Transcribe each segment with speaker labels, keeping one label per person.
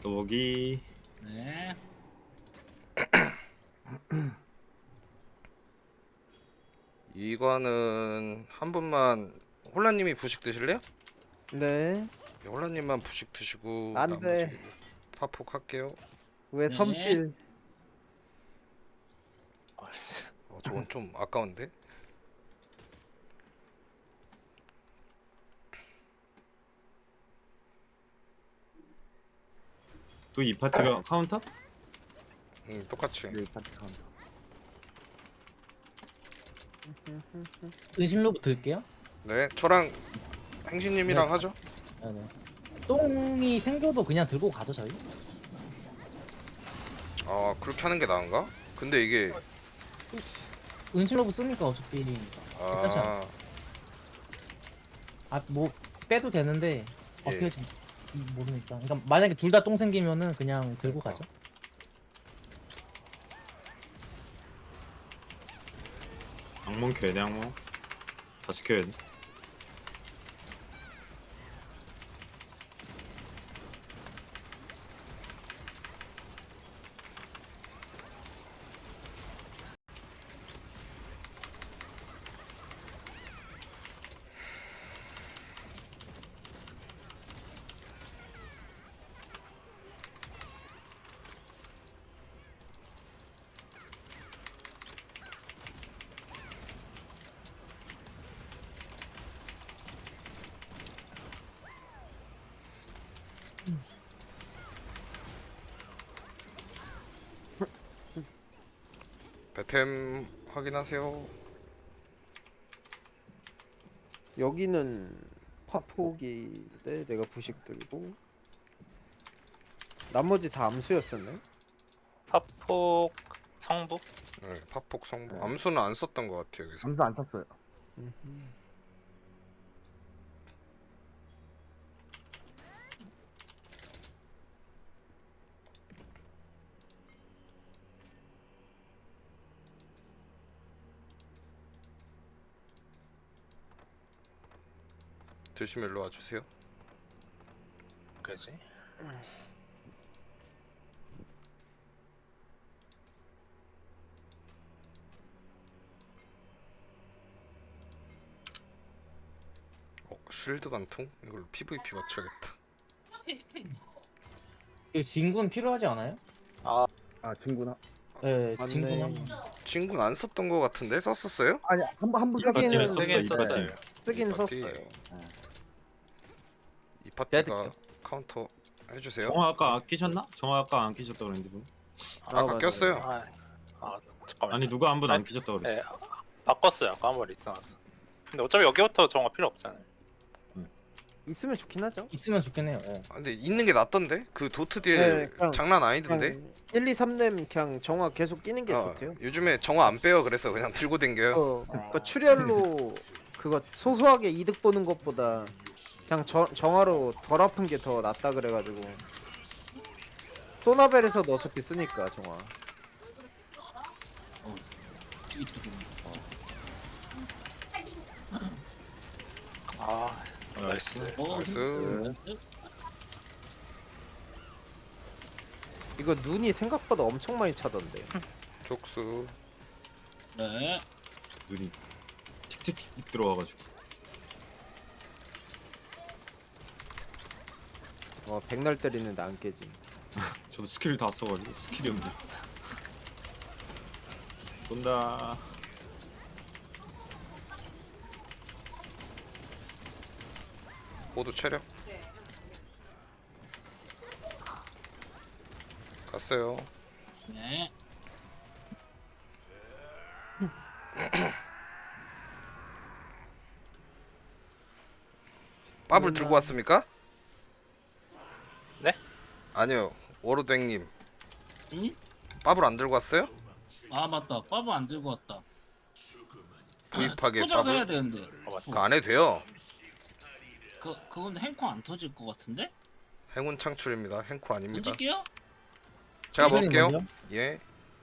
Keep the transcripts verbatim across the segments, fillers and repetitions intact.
Speaker 1: 여기
Speaker 2: 네.
Speaker 3: 이거는 한 분만 홀라님이 부식 드실래요?
Speaker 4: 네.
Speaker 3: 네, 홀라님만 부식 드시고
Speaker 4: 안
Speaker 3: 나머지
Speaker 4: 돼.
Speaker 3: 파폭 할게요.
Speaker 4: 왜
Speaker 2: 네.
Speaker 4: 선필?
Speaker 3: 어, 저건 좀 아까운데?
Speaker 1: 또 이 파티가 카운터?
Speaker 3: 응, 똑같이.
Speaker 5: 네, 파티 카운터.
Speaker 6: 은신로 붙을게요.
Speaker 3: 네, 저랑 행신님이랑
Speaker 6: 네.
Speaker 3: 하죠.
Speaker 6: 네네. 똥이 생겨도 그냥 들고 가죠 저희.
Speaker 3: 아, 그렇게 하는 게 나은가? 근데 이게
Speaker 6: 은신로브 쓰니까 어차피 괜찮지 않아?
Speaker 3: 아,
Speaker 6: 아뭐 빼도 되는데 어떻게
Speaker 3: 예.
Speaker 6: 할지 모르니까. 그러니까 만약에 둘 다 똥 생기면은 그냥 들고
Speaker 3: 그러니까.
Speaker 6: 가죠.
Speaker 1: 악몽 켜야 돼 악몽. 다시 켜야 돼.
Speaker 3: 배템 확인하세요.
Speaker 4: 여기는 파폭인데 내가 부식 들고 나머지 다 암수였었네.
Speaker 7: 파폭 성부?
Speaker 3: 네, 파폭 성부.
Speaker 4: 네.
Speaker 3: 암수는 안 썼던 것 같아요 여기서.
Speaker 5: 점수 안 썼어요.
Speaker 3: 드시면 일로 와주세요.
Speaker 7: 그지?
Speaker 3: 어, 쉴드 관통? 이걸 피브이피 맞춰야겠다.
Speaker 6: 이 진군 필요하지 않아요?
Speaker 7: 아
Speaker 5: 아, 친구나.
Speaker 6: 네,
Speaker 4: 맞네.
Speaker 6: 진군 한 번.
Speaker 3: 친구는 안 썼던 것 같은데 썼었어요?
Speaker 5: 아니, 한번한번
Speaker 4: 쓰기는
Speaker 1: 파티는
Speaker 4: 썼어,
Speaker 7: 세긴
Speaker 1: 이 파티.
Speaker 7: 썼어요.
Speaker 4: 쓰긴
Speaker 3: 이 파티.
Speaker 4: 썼어요.
Speaker 3: 이 파티가
Speaker 6: 빼드릴게요.
Speaker 3: 카운터 해주세요.
Speaker 1: 정화 아까 안 끼셨나? 정화 아까 안 끼셨다 그랬는데 분.
Speaker 3: 아까
Speaker 4: 맞아요.
Speaker 3: 꼈어요.
Speaker 7: 아, 아 잠깐만.
Speaker 1: 아니 누가 한 분 안
Speaker 7: 아니,
Speaker 1: 끼셨다 그랬어.
Speaker 7: 네, 바꿨어요. 아까 한번 리트 나왔어. 근데 어차피 여기부터 정화 필요 없잖아요.
Speaker 4: 있으면 좋긴 하죠.
Speaker 6: 있으면 좋겠네요. 네.
Speaker 3: 아, 근데 있는 게 낫던데? 그 도트 뒤에
Speaker 4: 네, 그냥-
Speaker 3: 장난 아니던데?
Speaker 4: 그냥 일, 이, 삼 렘 그냥 정화 계속 끼는 게
Speaker 3: 어,
Speaker 4: 좋대요.
Speaker 3: 요즘에 정화 안 빼요. 그래서 그냥 들고 댕겨요.
Speaker 4: 어, 그러니까 출혈로 그거 소소하게 이득 보는 것보다 그냥 저, 정화로 덜 아픈 게 더 낫다 그래가지고 소나벨에서도 어차피 쓰니까 정화.
Speaker 2: 어, 찌기도 좀.
Speaker 7: 아 나이스.
Speaker 2: 어,
Speaker 3: 나이스.
Speaker 2: 나이스.
Speaker 4: 이거 눈이 생각보다 엄청 많이 차던데.
Speaker 3: 족수.
Speaker 2: 네.
Speaker 1: 눈이 틱틱틱 들어와가지고.
Speaker 4: 어 백날 때리는데 안 깨짐.
Speaker 1: 저도 스킬 다 써가지고 스킬이 없네. 쏜다.
Speaker 3: 모두 체력. 갔어요.
Speaker 2: 네.
Speaker 3: 밥을 들고 왔습니까?
Speaker 7: 네?
Speaker 3: 아니요. 워로댕님.
Speaker 2: 응?
Speaker 3: 밥을 안 들고 왔어요?
Speaker 2: 아 맞다. 빠브 안 들고 왔다.
Speaker 3: 구입하게
Speaker 2: 포장 해야
Speaker 3: 밥을?
Speaker 2: 되는데.
Speaker 7: 어, 맞다.
Speaker 3: 그거 안 해도 돼요.
Speaker 2: 그 그건 행코 안 터질 것 같은데?
Speaker 3: 행운 창출입니다. 행코 아닙니다.
Speaker 2: 던질게요.
Speaker 3: 제가
Speaker 6: 이거는
Speaker 3: 먹을게요.
Speaker 6: 먼저?
Speaker 3: 예.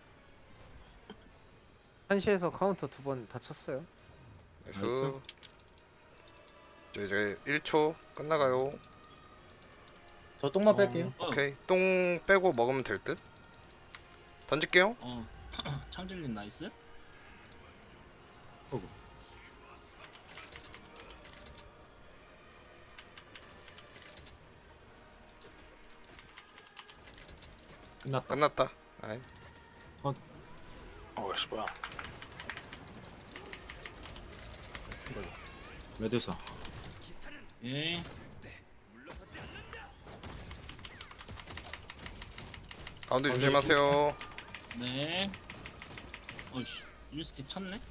Speaker 4: 한시에서 카운터 두 번 다쳤어요.
Speaker 3: 나이스.
Speaker 1: 나이스.
Speaker 3: 저 이제 일 초 끝나가요.
Speaker 6: 저 똥만
Speaker 1: 어.
Speaker 6: 뺄게요.
Speaker 2: 어,
Speaker 3: 오케이 똥 빼고 먹으면 될 듯. 던질게요.
Speaker 2: 어 창질님 나이스.
Speaker 1: 끝났다.
Speaker 3: 끝났다. 아이.
Speaker 7: 어씨 뭐야.
Speaker 1: 메두사.
Speaker 2: 예.
Speaker 3: 가운데 조심하세요.
Speaker 2: 네. 어이씨 일스틱 쳤네.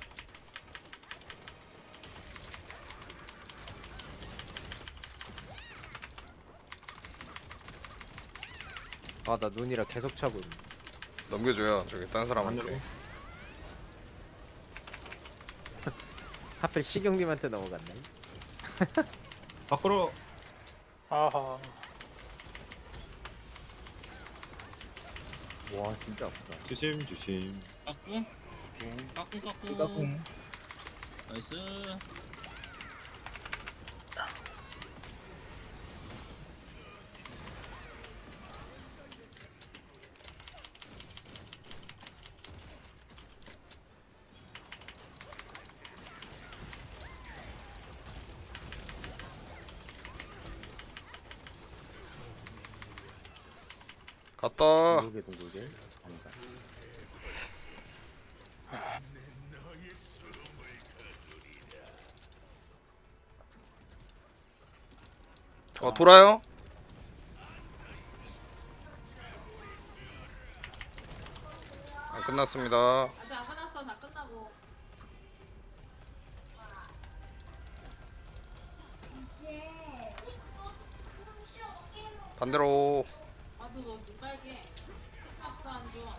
Speaker 4: 아 나 눈이라 계속 차고 있네.
Speaker 3: 넘겨줘요. 저기 딴 사람한테.
Speaker 1: 하늘로.
Speaker 4: 하필 시경님한테 넘어갔네.
Speaker 1: 밖으로.
Speaker 7: 아하.
Speaker 4: 와 진짜 아프다.
Speaker 1: 조심 조심.
Speaker 2: 까꿍. 까꿍 까꿍.
Speaker 6: 까꿍.
Speaker 2: 나이스.
Speaker 3: 갔다.
Speaker 4: 둥글게 둥글게. 아니다.
Speaker 3: 어 돌아요. 아, 끝났습니다.
Speaker 5: 아직 안 끝났어. 다 끝나고.
Speaker 3: 반대로.
Speaker 5: 아주 너 눈빨개. 아싸 안 좋아.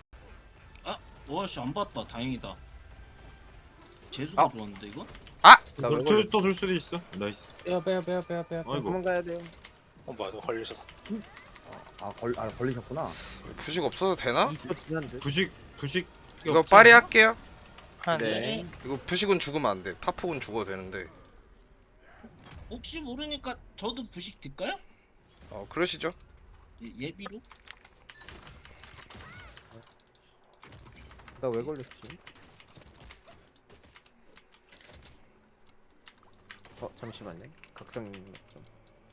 Speaker 2: 와씨 안 봤다. 다행이다. 재수가
Speaker 4: 아.
Speaker 2: 좋았는데 이거?
Speaker 4: 나왜
Speaker 1: 또돌 수도 있어. 나이스.
Speaker 6: 빼요 빼요 빼요 빼요 빼요.
Speaker 1: 아이고.
Speaker 4: 도망가야 돼요.
Speaker 7: 어 뭐야 너 걸리셨어.
Speaker 8: 아걸 아, 걸리셨구나.
Speaker 3: 부식 없어도 되나?
Speaker 4: 이거 지난데.
Speaker 1: 부식 부식.
Speaker 3: 이거 빨리 할게요.
Speaker 7: 한
Speaker 4: 네.
Speaker 3: 이거 부식은 죽으면 안 돼. 파폭은 죽어도 되는데.
Speaker 2: 혹시 모르니까 저도 부식 딜까요?
Speaker 3: 어 그러시죠.
Speaker 2: 예, 예비로?
Speaker 4: 나 왜 걸렸지? 어 잠시만요. 각성 좀.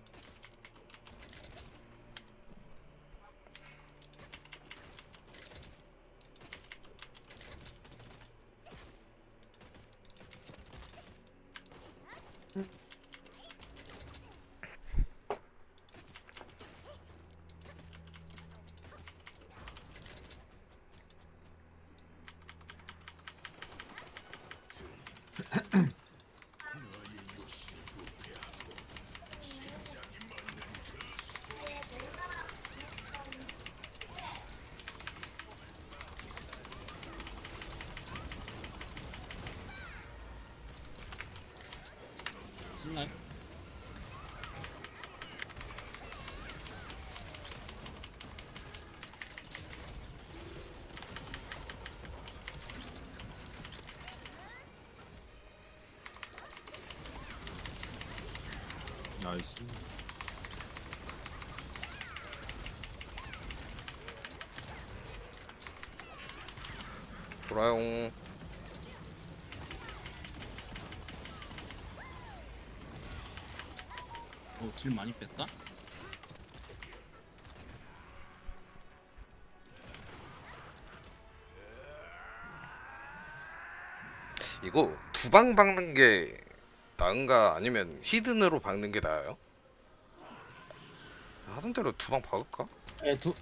Speaker 2: 슬라임?
Speaker 1: 나이스.
Speaker 3: 돌아용.
Speaker 2: 어, 딜 많이 뺐다?
Speaker 3: 이거 두 방 박는 게 나은가 아니면 히든으로 박는 게 나아요? 하던 대로 두 방 박을까?
Speaker 6: 예, 두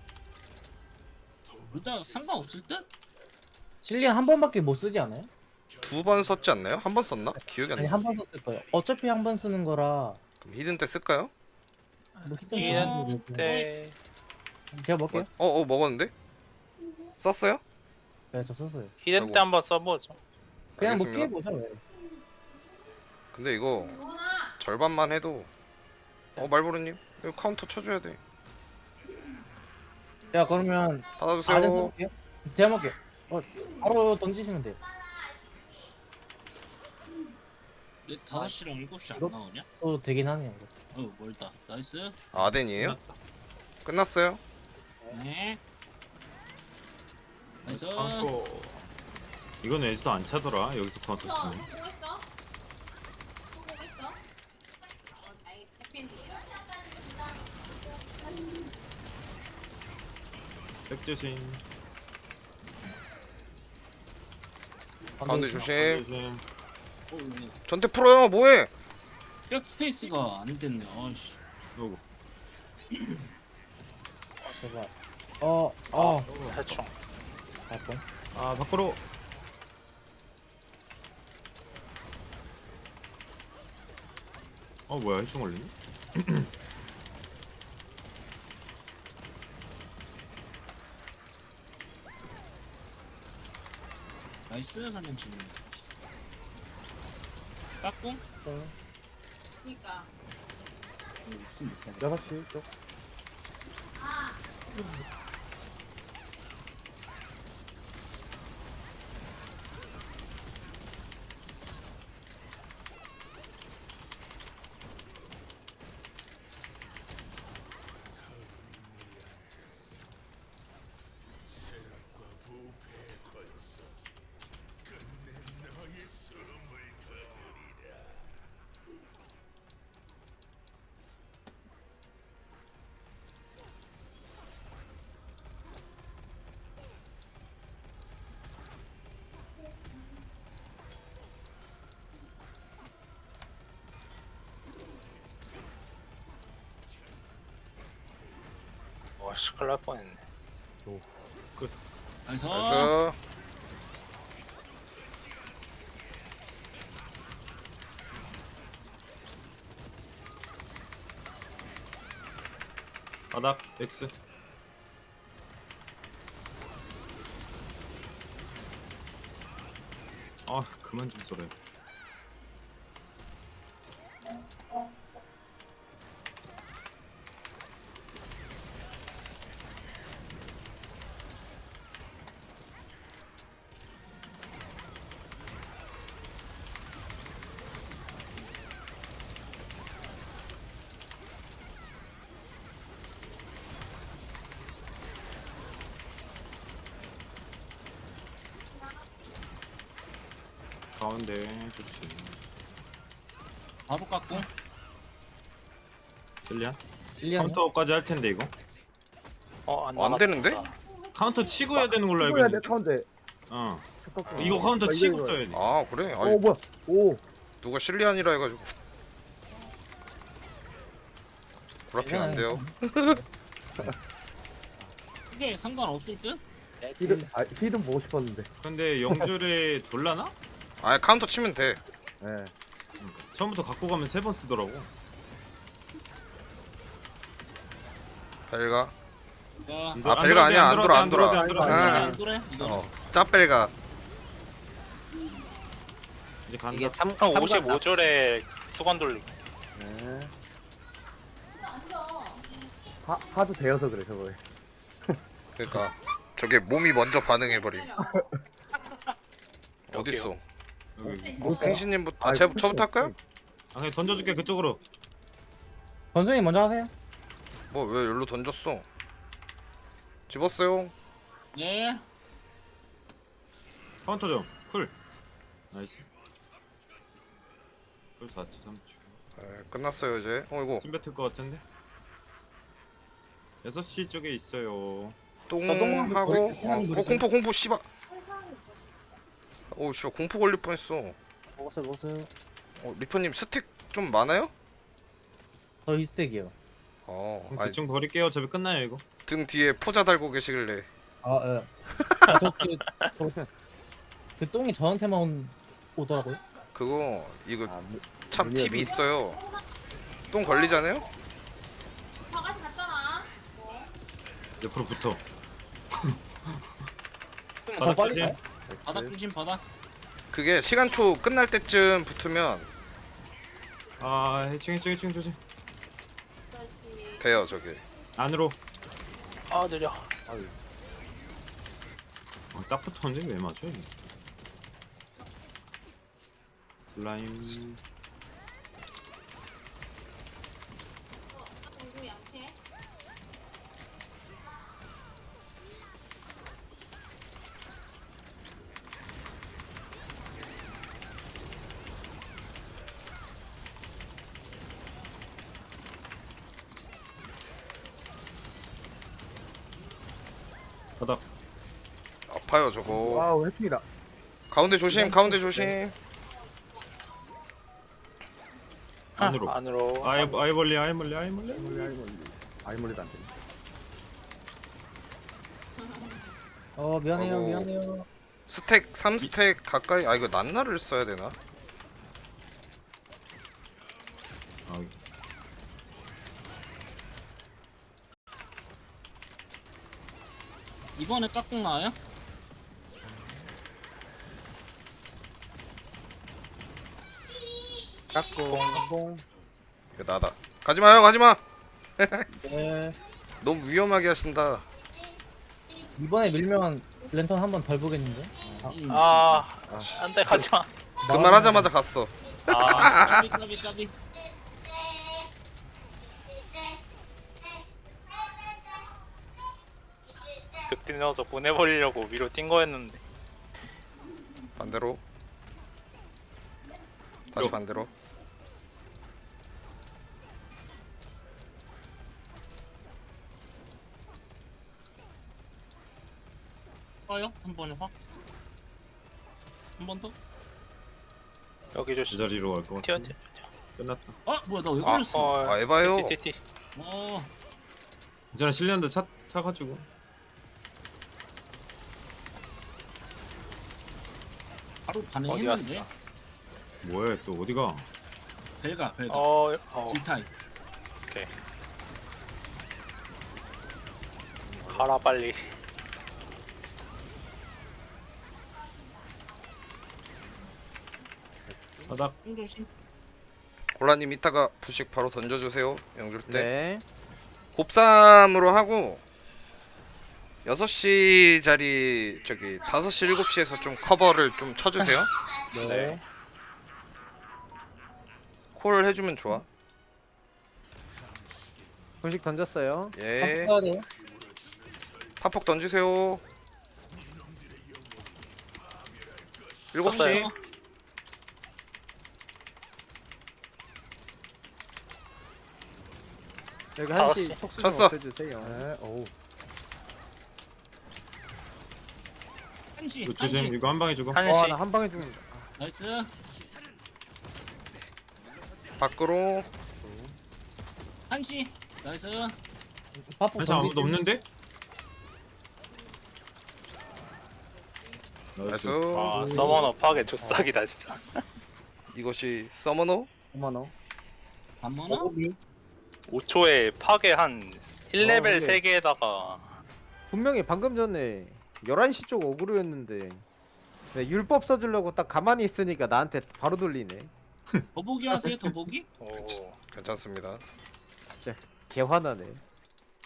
Speaker 2: 둘 다 상관없을 듯?
Speaker 6: 실리안 한 번밖에 못 쓰지 않아요?
Speaker 3: 두 번 썼지 않나요? 한 번 썼나? 기억이 안
Speaker 6: 아니
Speaker 3: 나.
Speaker 6: 한 번 썼을 거예요. 어차피 한 번 쓰는 거라
Speaker 3: 그럼 히든 때 쓸까요?
Speaker 6: 뭐 히든
Speaker 7: 이런 때
Speaker 6: 제가 먹게요.
Speaker 3: 어, 어 먹었는데? 썼어요?
Speaker 6: 네, 저 썼어요.
Speaker 7: 히든
Speaker 3: 아이고.
Speaker 7: 때 한번 써보죠.
Speaker 6: 그냥 뭐
Speaker 3: 알겠습니다.
Speaker 6: 피해 보죠. 왜.
Speaker 3: 근데 이거
Speaker 5: 뭐나?
Speaker 3: 절반만 해도 어 말보르님 이거 카운터 쳐줘야 돼.
Speaker 6: 제가 그러면 아래
Speaker 3: 받아주세요.
Speaker 6: 볼게요. 제가 먹게요. 어, 바로 던지시면 돼요.
Speaker 2: 네, 다섯 시랑 일곱 시 안
Speaker 8: 이거?
Speaker 2: 나오냐?
Speaker 6: 또 되긴 하네요. 이거.
Speaker 2: 어 멀다. 나이스.
Speaker 3: 아덴이에요? 끝났어요?
Speaker 2: 네. 나이스.
Speaker 1: 카운터. 이건 에이스도 안 차더라. 여기서 카운터
Speaker 5: 어,
Speaker 1: 치면.
Speaker 5: 보고 있어. 보고 있어. 어, 나이 해피엔딩이야.
Speaker 1: 백조심.
Speaker 3: 가운데 조심.
Speaker 1: 조심.
Speaker 2: 어, 이거
Speaker 3: 전태 풀어요. 뭐해?
Speaker 2: 백 스페이스가 안 됐네. 아씨.
Speaker 1: 요거.
Speaker 6: 제발. 어, 어.
Speaker 7: 대충.
Speaker 6: 갈 뻔.
Speaker 1: 아 밖으로. 어 뭐야 해충 걸리니?
Speaker 2: 나이스 사냥 지금. 깍꿍?
Speaker 5: 그니까.
Speaker 8: 여섯 시 쪽.
Speaker 7: 와씨 큰일 날 뻔했네.
Speaker 2: 나이스.
Speaker 3: 그래서
Speaker 1: 바닥 X. 아 그만 좀 쏘래. 가운데 좋지.
Speaker 2: 바로 깍꿍.
Speaker 1: 젤리안?
Speaker 6: 실리안.
Speaker 1: 카운터까지 할 텐데 이거.
Speaker 7: 어안
Speaker 3: 어, 안 되는데?
Speaker 1: 카운터 치고 해야 되는 걸로 알고
Speaker 8: 이거야 내
Speaker 1: 있는데.
Speaker 8: 카운트.
Speaker 1: 어.
Speaker 8: 잠깐만.
Speaker 1: 이거 카운터
Speaker 8: 아,
Speaker 1: 치고
Speaker 8: 이거, 이거.
Speaker 1: 써야 돼.
Speaker 3: 아 그래? 아니
Speaker 8: 어 뭐야? 오.
Speaker 3: 누가 실리안이라 해가지고 구라핑 안 돼요.
Speaker 2: 이게 상관없을 듯?
Speaker 8: 히든 아 히든 보고 싶었는데.
Speaker 1: 근데 영줄에 돌라나?
Speaker 3: 아니 카운터 치면 돼.
Speaker 8: 예.
Speaker 1: 그러니까. 처음부터 갖고 가면 세 번 쓰더라고.
Speaker 3: 벨가.
Speaker 2: 야,
Speaker 1: 안
Speaker 3: 아,
Speaker 1: 돌아,
Speaker 3: 벨가 아니야. 안
Speaker 1: 안
Speaker 3: 돌아 안
Speaker 1: 돌아,
Speaker 3: 돌아.
Speaker 1: 안 돌아,
Speaker 8: 안
Speaker 1: 안
Speaker 8: 돌아.
Speaker 1: 돌아.
Speaker 2: 안 그래? 이거
Speaker 3: 어 짭벨가.
Speaker 1: 이제 간다.
Speaker 4: 이게 삼
Speaker 7: 형
Speaker 4: 삼관
Speaker 7: 오십오 줄에 수건 돌리기.
Speaker 8: 예.
Speaker 5: 앉아.
Speaker 8: 하 하도 되어서 그래 저거에.
Speaker 3: 그러니까 저게 몸이 먼저 반응해버림. 어딨어?
Speaker 7: 여기요.
Speaker 1: 여기.
Speaker 3: 뭐 팽신님부터 아,
Speaker 8: 아이,
Speaker 3: 제,
Speaker 8: 훨씬
Speaker 3: 저부터 할까요?
Speaker 1: 아 그냥 던져줄게 그쪽으로.
Speaker 6: 건성님 먼저 하세요.
Speaker 3: 뭐 왜 여기로 던졌어? 집었어요.
Speaker 2: 예.
Speaker 1: 카운터 좀. 쿨. 나이스. 쿨 사 초 삼 초.
Speaker 3: 네, 끝났어요 이제. 어 이거
Speaker 1: 침 뱉을 것 같은데. 여섯 시 쪽에 있어요.
Speaker 3: 똥
Speaker 6: 똥
Speaker 3: 하고
Speaker 6: 머리-
Speaker 3: 어,
Speaker 6: 머리-
Speaker 3: 어 공포 공포 씨발. 오 씨발 공포 걸릴 뻔했어.
Speaker 6: 먹었어요, 먹었어요.
Speaker 3: 어 리퍼님 스택 좀 많아요?
Speaker 6: 저 이스택이요.
Speaker 3: 어
Speaker 1: 그럼
Speaker 3: 아니
Speaker 1: 대충 버릴게요. 어차피 끝나요 이거.
Speaker 3: 등 뒤에 포자 달고 계시길래.
Speaker 6: 아, 예. 저, 그, 저, 그 똥이 저한테만 온- 오더라고요.
Speaker 3: 그거 이거
Speaker 8: 아, 무-
Speaker 3: 참
Speaker 8: 문이야,
Speaker 3: 팁이
Speaker 8: 문.
Speaker 3: 있어요. 똥 걸리잖아요?
Speaker 5: 바가지 갔잖아.
Speaker 1: 옆으로 붙어.
Speaker 6: 더
Speaker 1: 바닥
Speaker 6: 빨리
Speaker 1: 조심.
Speaker 6: 가요?
Speaker 2: 바닥 조심 바닥.
Speaker 3: 그게 시간초 끝날 때쯤 붙으면
Speaker 1: 아 해충 해충 해충 조심.
Speaker 3: 돼요 저게.
Speaker 1: 안으로.
Speaker 7: 아 느려.
Speaker 1: 어, 딱 붙었는데 왜 맞아? 이게? 슬라임. 바닥.
Speaker 3: 아파요 저거.
Speaker 8: 와우 해킹이다.
Speaker 3: 가운데 조심 가운데 조심.
Speaker 1: 안으로.
Speaker 7: 안으로.
Speaker 1: 아이 아이벌리 아이벌리 아이벌리.
Speaker 8: 아이몰리 아이몰리. 아이몰리도 안 되네.
Speaker 6: 어 미안해요
Speaker 3: 어머.
Speaker 6: 미안해요.
Speaker 3: 스택 삼 스택 가까이. 아 이거 난나를 써야 되나?
Speaker 1: 아,
Speaker 2: 이번에 깍꿍 나와요?
Speaker 8: 깍공 깍공.
Speaker 3: 이거 나다. 가지마요 가지마.
Speaker 6: 네.
Speaker 3: 너무 위험하게 하신다.
Speaker 6: 이번에 밀면 랜턴 한 번 덜 보겠는데?
Speaker 2: 음.
Speaker 7: 아,
Speaker 8: 아,
Speaker 7: 안돼 가지마.
Speaker 3: 그 말 하자마자 갔어.
Speaker 7: 아,
Speaker 2: 까비 까비 까비.
Speaker 7: 극딜 넣어서 보내버리려고 위로 뛴 거였는데.
Speaker 3: 반대로. 다시
Speaker 1: 요.
Speaker 3: 반대로.
Speaker 2: 떠요? 한 번에 확. 한 번 더?
Speaker 7: 여기
Speaker 1: 그
Speaker 7: 조심.
Speaker 1: 자리로 갈 것
Speaker 7: 튀어
Speaker 1: 같아.
Speaker 7: 튀어.
Speaker 1: 끝났다.
Speaker 2: 아 뭐야 나 왜
Speaker 3: 아,
Speaker 2: 걸렸어?
Speaker 7: 어,
Speaker 3: 아 에바요.
Speaker 7: 튀튀 튀.
Speaker 2: 어.
Speaker 1: 괜찮아 실리안드 차 차가지고.
Speaker 2: 바로
Speaker 7: 어디
Speaker 2: 반응했는데.
Speaker 7: 갔어?
Speaker 1: 뭐야 또 어디가?
Speaker 2: 벨가 벨가.
Speaker 7: 어, 어,
Speaker 2: G타입.
Speaker 7: 오케이. 가라 빨리.
Speaker 1: 바닥.
Speaker 2: 좀 조심.
Speaker 3: 골라님 이따가 부식 바로 던져주세요. 영줄 때.
Speaker 4: 네.
Speaker 3: 곱삼으로 하고 여섯 시 자리 저기 다섯 시 일곱 시에서 좀 커버를 좀 쳐주세요.
Speaker 7: 네.
Speaker 3: 콜 해주면 좋아.
Speaker 4: 분식 던졌어요.
Speaker 3: 예.
Speaker 6: 써야 돼요.
Speaker 3: 파폭 던지세요. 일곱 시.
Speaker 7: 쳤어요.
Speaker 4: 여기
Speaker 7: 다섯
Speaker 4: 한시
Speaker 7: 시.
Speaker 4: 촉수 좀
Speaker 3: 쳤어.
Speaker 4: 없애주세요.
Speaker 8: 네. 오.
Speaker 2: 한시
Speaker 1: 이거 조심.
Speaker 2: 한시.
Speaker 1: 이거 한 방에 주고.
Speaker 7: 한시.
Speaker 4: 와나 한 방에 죽는다.
Speaker 2: 나이스.
Speaker 3: 밖으로.
Speaker 2: 한시. 나이스.
Speaker 6: 파폭
Speaker 1: 한시 아무도
Speaker 6: 던지지.
Speaker 1: 없는데?
Speaker 3: 나이스.
Speaker 7: 와, 서머너 파괴 조싹이다 진짜.
Speaker 3: 이것이 서머너.
Speaker 8: 어머너.
Speaker 2: 반모나?
Speaker 7: 오 초에 파괴 한 일 레벨
Speaker 4: 어, 근데-
Speaker 7: 세 개에다가
Speaker 4: 분명히 방금 전에 열한 시 쪽 어그로였는데 네, 율법 써주려고 딱 가만히 있으니까 나한테 바로 돌리네.
Speaker 2: 더보기 하세요 더보기?
Speaker 7: 오,
Speaker 3: 괜찮습니다.
Speaker 4: 개 화나네.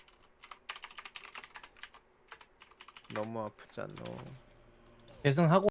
Speaker 4: 너무 아프지 않노.
Speaker 6: 계승하고